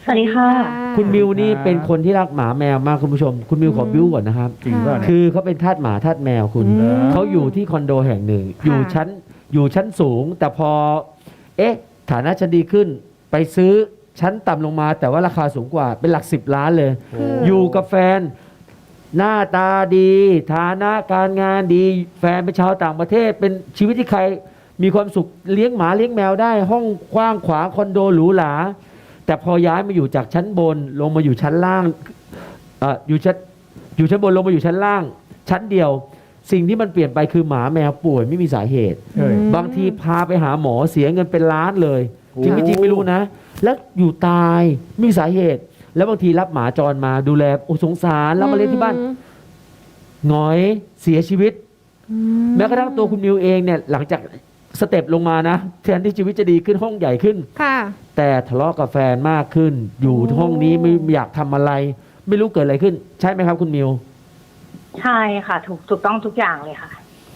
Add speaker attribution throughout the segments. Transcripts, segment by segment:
Speaker 1: วัสดีค่ะ
Speaker 2: คุณมิวนี่เป็นคนที่รักหมาแมวมากคุณผู้ชมคุณมิวขอบิ้วก่อนนะครับ
Speaker 3: จริงป่ะเนี่ย
Speaker 2: คือเขาเป็นทาสหมาทาสแมวคุณ เขาอยู่ที่คอนโดแห่งหนึ่ง อยู่ชั้นสูง แต่พอฐานะชั้นดีขึ้น ไปซื้อชั้นต่ำลงมา แต่ว่าราคาสูงกว่าเป็นหลัก10 ล้านเลย อยู่กับแฟน หน้าตาดีฐานะการงานดี แฟนเป็นชาวต่างประเทศ เป็นชีวิตที่ใครมีความสุขเลี้ยงหมาเลี้ยงแมวได้ ห้องกว้างขวางคอนโดหรูหราแต่พอย้ายมาอยู่จากชั้นบนลงมาอยู่ชั้นล่างอยู่ชั้นบนลงมาอยู่ชั้นล่าง ชั้นเดียว สิ่งที่มันเปลี่ยนไปคือหมาแมวป่วยไม่มีสาเหตุ บางทีพาไปหาหมอเสียเงินเป็นล้านเลยจริงไม่จริงไม่รู้นะ แล้วอยู่ตายไม่มีสาเหตุ แล้วบางทีรับหมาจรมาดูแลโอ้สงสารแล้วมาเลี้ยงที่บ้านหงอยเสียชีวิตแม้กระทั่งตัวคุณมิวเองเนี่ยหลังจากสเต็ปลงมานะแทนที่ชีวิตจะดีขึ้นห้องใหญ่ขึ้น
Speaker 1: ค่ะ
Speaker 2: แต่ทะเลาะกับแฟนมากขึ้น อยู่ห้องนี้ไม่อยากทำอะไร ไม่รู้เกิดอะไรขึ้น ใช่ไหมครับคุณมิว
Speaker 3: ใช่ค่ะถูกต้องทุกอย่างเลยค่ะ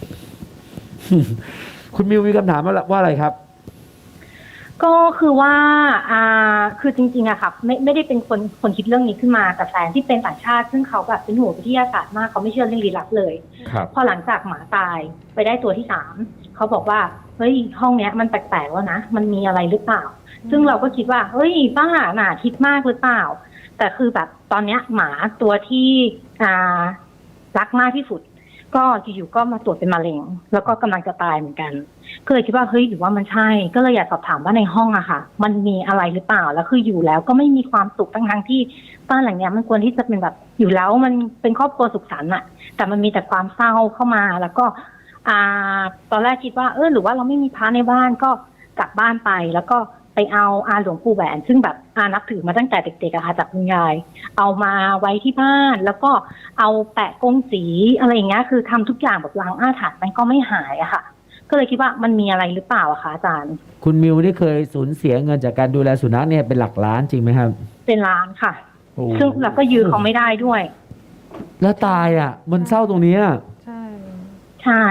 Speaker 2: คุณมิวมีคำถามว่าอะไรครับ
Speaker 3: ก็คือว่าคือจริงๆอะค่ะไม่ได้เป็นคนคิดเรื่องนี้ขึ้นมาแต่แฟนที่เป็นต่างชาติซึ่งเขาแบบเป็นหัววิทยาศาสตร์มากเขาไม่เชื่อเรื่องลี้ลับเลยพอหลังจากหมาตายไปได้ตัวที่3เขาบอกว่าเฮ้ยห้องเนี้ยมันแปลกๆแล้วนะมันมีอะไรหรือเปล่าซึ่งเราก็คิดว่าเฮ้ยบ้าหนาคิดมากหรือเปล่าแต่คือแบบตอนเนี้ยหมาตัวที่รักมากที่สุดก็อยู่ๆก็มาตรวจเป็นมะเร็งแล้วก็กำลังจะตายเหมือนกันก็เลยคิดว่าเฮ้ยหรือว่ามันใช่ก็เลยอยากสอบถามว่าในห้องอะค่ะมันมีอะไรหรือเปล่าแล้วคืออยู่แล้วก็ไม่มีความสุขทั้งที่บ้านหลังเนี้ยมันควรที่จะเป็นแบบอยู่แล้วมันเป็นครอบครัวสุขสันต์อะแต่มันมีแต่ความเศร้าเข้ามาแล้วก็ตอนแรกคิดว่าหรือว่าเราไม่มีพระในบ้านก็กลับบ้านไปแล้วก็ไปเอาหลวงปู่แหวนซึ่งแบบนับถือมาตั้งแต่เด็กๆอะค่ะจากคุณยายเอามาไว้ที่บ้านแล้วก็เอาแปะกงสีอะไรอย่างเงี้ยคือทำทุกอย่างแบบล้างอาถรรพ์มันก็ไม่หายอะค่ะก็เลยคิดว่ามันมีอะไรหรือเปล่าอะคะอาจารย์
Speaker 2: คุณมิวนี่เคยสูญเสียเงินจากการดูแลสุนัขเนี่ยเป็นหลักล้านจริงไหมครับ
Speaker 3: เป็นล้านค่ะซึ่งเราก็ยืมเขาไม่ได้ด้วย
Speaker 2: แล้วตายอ่ะมันเศร้าตรงนี้
Speaker 3: ใช่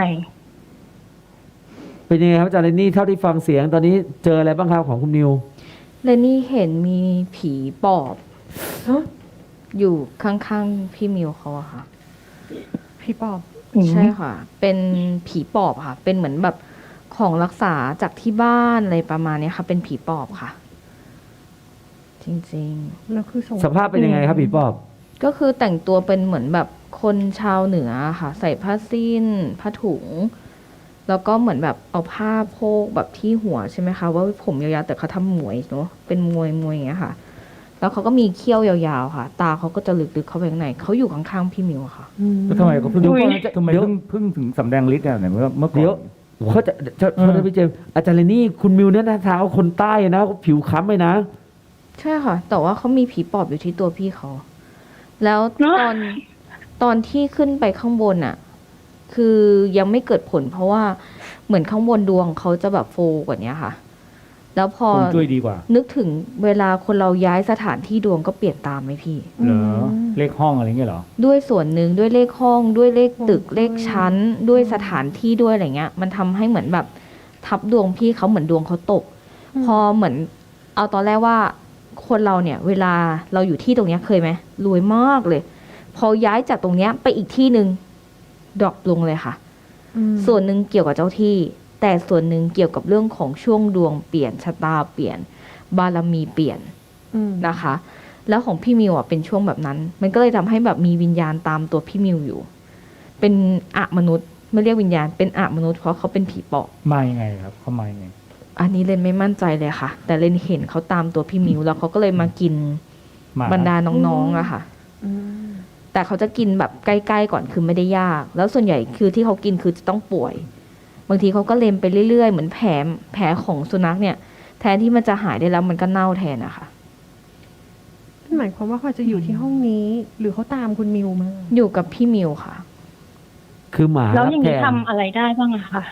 Speaker 2: เป็นยังไงครับอาจารย์เรนนี่เท่าที่ฟังเสียงตอนนี้เจออะไรบ้างครับของคุณมิว
Speaker 4: เรนนี่เห็นมีผีปอบอยู่ข้างๆพี่มิวเขาอะค่ะ
Speaker 1: ผีปอบ
Speaker 4: ใช่ค่ะเป็นผีปอบค่ะเป็นเหมือนแบบของรักษาจากที่บ้านอะไรประมาณนี้ค่ะเป็นผีปอบค่ะจริง
Speaker 1: ๆแล้วคือ
Speaker 2: สภาพเป็นยังไงครับผีปอบ
Speaker 4: ก็คือแต่งตัวเป็นเหมือนแบบคนชาวเหนือค่ะใส่ผ้าสิ้นผ้าถุงแล้วก็เหมือนแบบเอาผ้าโพกแบบที่หัวใช่ไหมคะว่าผมยาวๆแต่เขาทำหมวยเนาะเป็นมวยอย่างเงี้ยค่ะแล้วเขาก็มีเขี้ยวยาวๆค่ะตาเขาก็จะลึกๆเข้าไปข้างในเขาอยู่ข้างๆพี่มิวค่ะ
Speaker 5: แล้วทำไมเขาเพิ่งถึงสำแดงฤทธิ์เนี่ยเมื่อก่อน
Speaker 2: เดี๋ยวเขาจะพี่เจมอาจารย์เรนนี่คุณมิวเนี่ยนะทางเขาคนใต้นะผิวค้ำเลยนะ
Speaker 4: ใช่ค่ะแต่ว่าเขามีผีปอบอยู่ที่ตัวพี่เขาแล้วตอนที่ขึ้นไปข้างบนอ่ะคือยังไม่เกิดผลเพราะว่าเหมือนข้างบนดวงเขาจะแบบโฟกว่านี้ค่ะแล้วพอ
Speaker 5: ช่วยดีกว่า
Speaker 4: นึกถึงเวลาคนเราย้ายสถานที่ดวงก็เปลี่ยนตามไหมพี่
Speaker 5: เหรอเลขห้องอะไรเงี้ยเหรอ
Speaker 4: ด้วยส่วนหนึ่งด้วยเลขห้องด้วยเลขตึกเลขชั้นด้วยสถานที่ด้วยอะไรเงี้ยมันทำให้เหมือนแบบทับดวงพี่เขาเหมือนดวงเขาตกพอเหมือนเอาตอนแรกว่าคนเราเนี่ยเวลาเราอยู่ที่ตรงเนี้ยเคยไหมรวยมากเลยพอย้ายจากตรงเนี้ยไปอีกที่หนึ่งดรอปลงเลยค่ะส่วนหนึ่งเกี่ยวกับเจ้าที่แต่ส่วนหนึ่งเกี่ยวกับเรื่องของช่วงดวงเปลี่ยนชะตาเปลี่ยนบารมีเปลี่ยนนะคะแล้วของพี่มิวเป็นช่วงแบบนั้นมันก็เลยทำให้แบบมีวิญญาณตามตัวพี่มิวอยู่เป็นมนุษย์ไม่เรียกวิญญาณเป็นมนุษย์เพราะเขาเป็นผีปอบ
Speaker 5: มายังไงครับเขามายังไง
Speaker 4: อันนี้เรนไม่มั่นใจเลยค่ะแต่เรนเห็นเขาตามตัวพี่มิวแล้วเขาก็เลยมากินบรรดาน้องๆอะค่ะแต่เขาจะกินแบบใกล้ๆก่อนคือไม่ได้ยากแล้วส่วนใหญ่คือที่เขากินคือจะต้องป่วยบางทีเขาก็เล็มไปเรื่อยๆเหมือนแผลของสุนัขเนี่ยแทนที่มันจะหายได้แล้วมันก็เน่าแทนนะคะ
Speaker 1: หมายความว่าเขาจะอยู่ที่ห้องนี้หรือเขาตามคุณมิวมา
Speaker 4: อยู่กับพี่มิวค่ะ
Speaker 2: คือหมา
Speaker 3: แล้วอย่างนี้ทำอะไรได้บ้างอะคะ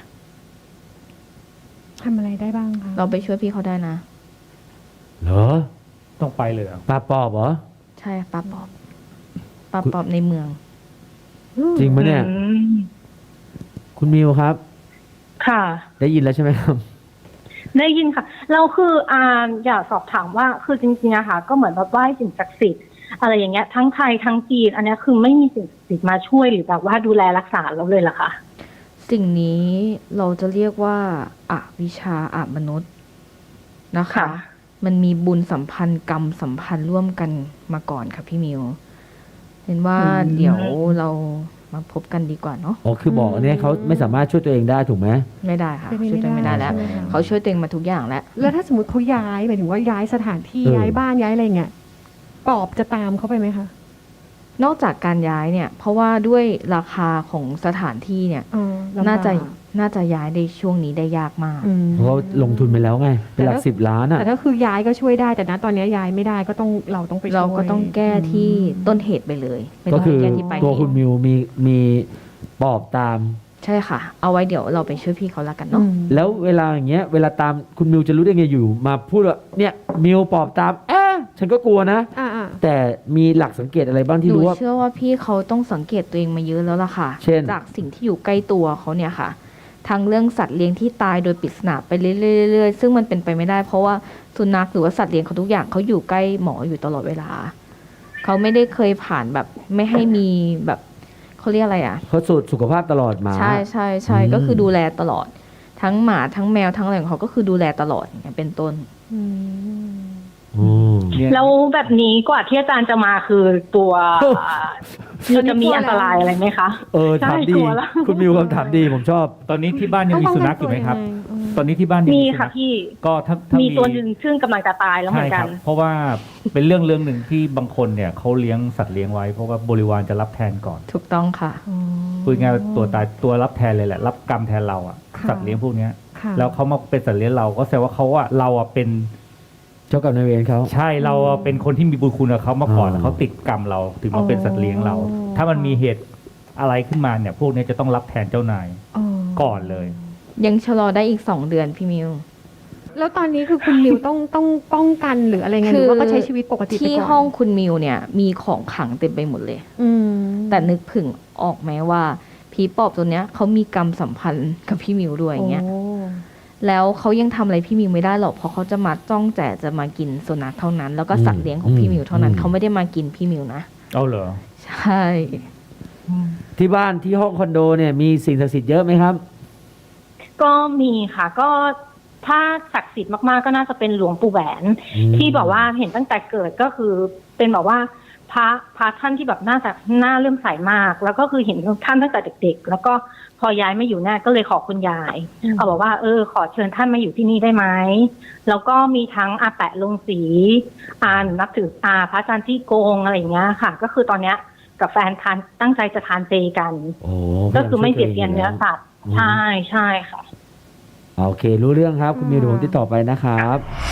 Speaker 1: ทำอะไรได้บ้างคะ
Speaker 4: เราไปช่วยพี่เขาได้นะ
Speaker 2: เหรอ
Speaker 5: ต้องไปเลย
Speaker 2: ปลาปอบเหรอ
Speaker 4: ใช่ปลาปอบในเมือง
Speaker 2: จริงไหมเนี่ยคุณมิวครับ
Speaker 3: ค่ะ
Speaker 2: ได้ยินแล้วใช่ไหมครับ
Speaker 3: ได้ยินค่ะเราคืออยากสอบถามว่าคือจริงๆอะค่ะก็เหมือนแบบไหว้สิ่งศักดิ์สิทธิ์อะไรอย่างเงี้ยทั้งไทยทั้งจีนอันเนี้ยคือไม่มีสิ่งศักดิ์สิทธิ์มาช่วยหรือแบบว่าดูแลรักษาเราเลยเหรอคะ
Speaker 4: สิ่งนี้เราจะเรียกว่าอวิชชาอมนุษย์นะคะ
Speaker 3: ค่ะ
Speaker 4: มันมีบุญสัมพันธ์กรรมสัมพันธ์ร่วมกันมาก่อนค่ะพี่มิวเห็นว่าเดี๋ยวเรามาพบกันดีกว่าเนาะ
Speaker 2: อ๋อคือบอกเนี่ยเขาไม่สามารถช่วยตัวเองได้ถูกไหม
Speaker 4: ไม่ได้ค่ะ
Speaker 1: เป็นไป
Speaker 4: ช่วยตัวเอง
Speaker 1: ไม่
Speaker 4: ไม่
Speaker 1: ได้
Speaker 4: ได้แล้ว
Speaker 1: ใช่ไหมคะ
Speaker 4: เขาช่วยตัวเองมาทุกอย่างแล้ว
Speaker 1: แล้วถ้าสมมติเขาย้ายหมายถึงว่าย้ายสถานที่
Speaker 2: เออ
Speaker 1: ย้ายบ้านย้ายอะไรเงี้ยปอบจะตามเขาไปไหมคะ
Speaker 4: นอกจากการย้ายเนี่ย เพราะว่าด้วยราคาของสถานที่เนี่ย
Speaker 1: อ๋อลำบก
Speaker 4: น่าจะย้ายในช่วงนี้ได้ยากมาก
Speaker 1: อืม
Speaker 2: เพราะเขาลงทุนไปแล้วไง เป็นหลัก
Speaker 1: แต่ถ้า
Speaker 2: 10 ล้านอ่ะ
Speaker 1: แต่ถ้าคือย้ายก็ช่วยได้แต่นะตอนนี้ย้ายไม่ได้ก็ต้องเราต้องไปช่วย
Speaker 4: เราก็ต้องแก้ที่ต้นเหตุไปเลยไม่
Speaker 2: ก็
Speaker 4: ต้อง
Speaker 2: คือ
Speaker 4: แก้ที่ปลาย
Speaker 2: ตัว
Speaker 4: เห
Speaker 2: คุณ
Speaker 4: ตุ
Speaker 2: มิวมีปอบตาม
Speaker 4: ใช่ค่ะ เอาไว้เดี๋ยวเราไปช่วยพี่เขาแล้วกันเนาะ
Speaker 2: แล้วเวลาอย่างเงี้ยเวลาตามคุณมิวจะรู้ได้ไงอยู่ มาพูดว่าเนี่ยมิวปอบตามฉันก็กลัวนะ
Speaker 1: อ่า
Speaker 2: แต่มีหลักสังเกตอะไรบ้างที่
Speaker 4: หนู
Speaker 2: รู้ว่า
Speaker 4: เชื่อว่าพี่เขาต้องสังเกตตัวเองมาเยอะแล้วล่ะค่ะ
Speaker 2: เช่น
Speaker 4: จากสิ่งที่อยู่ใกล้ตัวเขาเนี่ยค่ะ ทั้งเรื่องสัตว์เลี้ยงที่ตายโดยปริศนาไปเรื่อยๆซึ่งมันเป็นไปไม่ได้ เพราะว่าสุนัขหรือว่าสัตว์เลี้ยงเขาทุกอย่างเขาอยู่ใกล้หมออยู่ตลอดเวลา เขาไม่ได้เคยผ่านแบบไม่ให้มีแบบเขาเรียกอะไรอ่ะ
Speaker 2: เขาสูตรสุขภาพตลอดมา
Speaker 4: ใช่ใช่ใช่
Speaker 2: อืม
Speaker 4: ก็คือดูแลตลอด ทั้งหมาทั้งแมวทั้งอะไรของเขาก็คือดูแลตลอดอย่างเงี้ยเป็นต้น
Speaker 1: อืม
Speaker 2: อืม
Speaker 5: เนี่ย
Speaker 3: แล้วแบบนี้กว่าที่อาจารย์จะมาคือตัวคือจะมีอันตรายอะไรไหมคะ
Speaker 2: ถามดี
Speaker 3: ใช่กลัวแล้ว
Speaker 2: คุณมิวคำถามดีผมชอบ
Speaker 5: ตอนนี้ที่บ้านยังมีสุนัขอยู่ไหมครับ
Speaker 1: อืม
Speaker 5: ตอนนี้ที่บ้านยัง
Speaker 3: มี
Speaker 5: มีสุ
Speaker 3: ค่ะ
Speaker 5: นัข
Speaker 3: พี่
Speaker 5: ก็ถ้า
Speaker 3: มี
Speaker 5: มี
Speaker 3: ตัวหนึ่งซึ่งกำลังจะตายแล้วเหมื
Speaker 5: ใช่
Speaker 3: อน
Speaker 5: ค
Speaker 3: กั
Speaker 5: รั
Speaker 3: น
Speaker 5: บ เพราะว่าเป็นเรื่องหนึ่งที่บางคนเนี่ยเขาเลี้ยงสัตว์เลี้ยงไว้เพราะว่าบริวารจะรับแทนก่อน
Speaker 4: ถูกต้องค่ะ
Speaker 5: พูดง่ายๆตัวตายตัวรับแทนเลยแหละ รับกรรมแทนเราอ่ะ
Speaker 1: ค่ะ
Speaker 5: สัตว์เลี้ยงพวกเนี้ย
Speaker 1: ค่ะ
Speaker 5: แล้วเขามาเป็นสัตว์เลี้ยงเราก็แสดงว่าเราอ่ะเป็น
Speaker 2: เจ้ากรรมนายเวรเขา
Speaker 5: ใช่เราอะเป็นคนที่มีบุญคุณกับเขามาก่อน
Speaker 2: อ่า
Speaker 5: แล้วเขาติดกรรมเราถึงมาเป็นสัตว์เลี้ยงเรา ถ้ามันมีเหตุอะไรขึ้นมาเนี่ย พวกเนี้ยจะต้องรับแทนเจ้านายก่อนเลย
Speaker 4: ยังชะลอได้อีก2 เดือนพี่มิว
Speaker 1: แล้วตอนนี้คือคุณมิวต้องป้องกันหรืออะไรเงี้ยห
Speaker 4: คื
Speaker 1: รือ อว่าก็ใช้ชีวิตปกติไป
Speaker 4: ที่
Speaker 1: ก่อน
Speaker 4: ห้องคุณมิวเนี่ยมีของขลังเต็มไปหมดเลย
Speaker 1: อืม
Speaker 4: แต่นึกผึ่งออกไหมว่าผีปอบตัวเนี้ยเขามีกรรมสัมพันธ์กับพี่มิวด้วยอย่างเงี้ย
Speaker 1: โอ้
Speaker 4: แล้วเขายังทำอะไรพี่มิวไม่ได้หรอกเพราะเขาจะมาจ้องแต่จะมากินสุนัขเท่านั้น แล้วก็สัตว์เลี้ยงของพี่มิวเท่านั้นเขาไม่ได้มากินพี่มิวนะ
Speaker 5: เอาเหรอ
Speaker 4: ใช่
Speaker 2: ที่บ้านที่ห้องคอนโดเนี่ยมีสิ่งศักดิ์สิทธิ์เยอะไหมครับ
Speaker 3: ก็มีค่ะ ก็ถ้าศักดิ์สิทธิ์มากๆก็น่าจะเป็นหลวงปู่แหวน ที่บอกว่าเห็นตั้งแต่เกิดก็คือเป็นแบบว่าพระท่านที่แบบน่าเลื่อมใสมาก แล้วก็คือเห็นท่านตั้งแต่เด็กๆ แล้วก็พอย้ายมาอยู่เนี่ยก็เลยขอคุณยายเอาบอกว่าขอเชิญท่านมาอยู่ที่นี่ได้ไหมแล้วก็มีทั้งอาแปะลงสีนับถือพระอาจารย์ที่โกงอะไรอย่างเงี้ยค่ะ ก็คือตอนเนี้ยกับแฟนตั้งใจจะทานเจกัน
Speaker 2: โอ้
Speaker 3: ก็คือไม่เบียดเบียนเนื้อสัตว์ใช่ใช่ค่ะ
Speaker 2: โอเค รู้เรื่องครับ คุณมิวเดี๋ยวผมติดต่อไปนะครับ